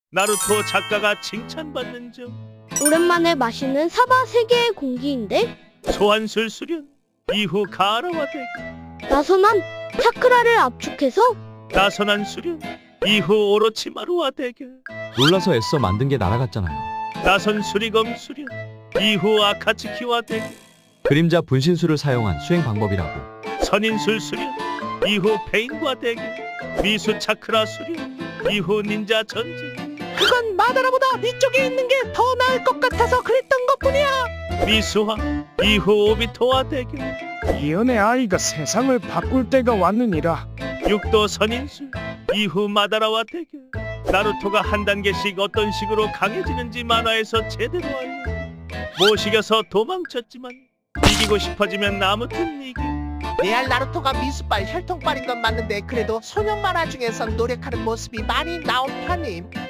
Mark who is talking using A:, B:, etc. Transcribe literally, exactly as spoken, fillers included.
A: 나루토 작가가 칭찬받는 점.
B: 오랜만에 마시는 사바 세계의 공기인데
A: 소환술 수련 이후 가라와 대결.
B: 나선한 차크라를 압축해서
A: 나선한 수련 이후 오로치마루와 대결.
C: 놀라서 애써 만든 게 날아갔잖아요.
A: 나선 수리검 수련 이후 아카츠키와 대결.
C: 그림자 분신술을 사용한 수행 방법이라고.
A: 선인술 수련 이후 페인과 대결. 미수 차크라 수련 이후 닌자 전쟁.
D: 그건 마다라보다 위쪽에 있는 게 더 나을 것 같아서 그랬던 것뿐이야.
A: 미수화 이후 오비토와 대결.
E: 이연의 아이가 세상을 바꿀 때가 왔느니라.
A: 육도 선인술 이후 마다라와 대결. 나루토가 한 단계씩 어떤 식으로 강해지는지 만화에서 제대로 알려. 못 이겨서 도망쳤지만 이기고 싶어지면 아무튼 이겨.
D: 레알 나루토가 미수빨 혈통빨인 건 맞는데 그래도 소년 만화 중에선 노력하는 모습이 많이 나온 편임.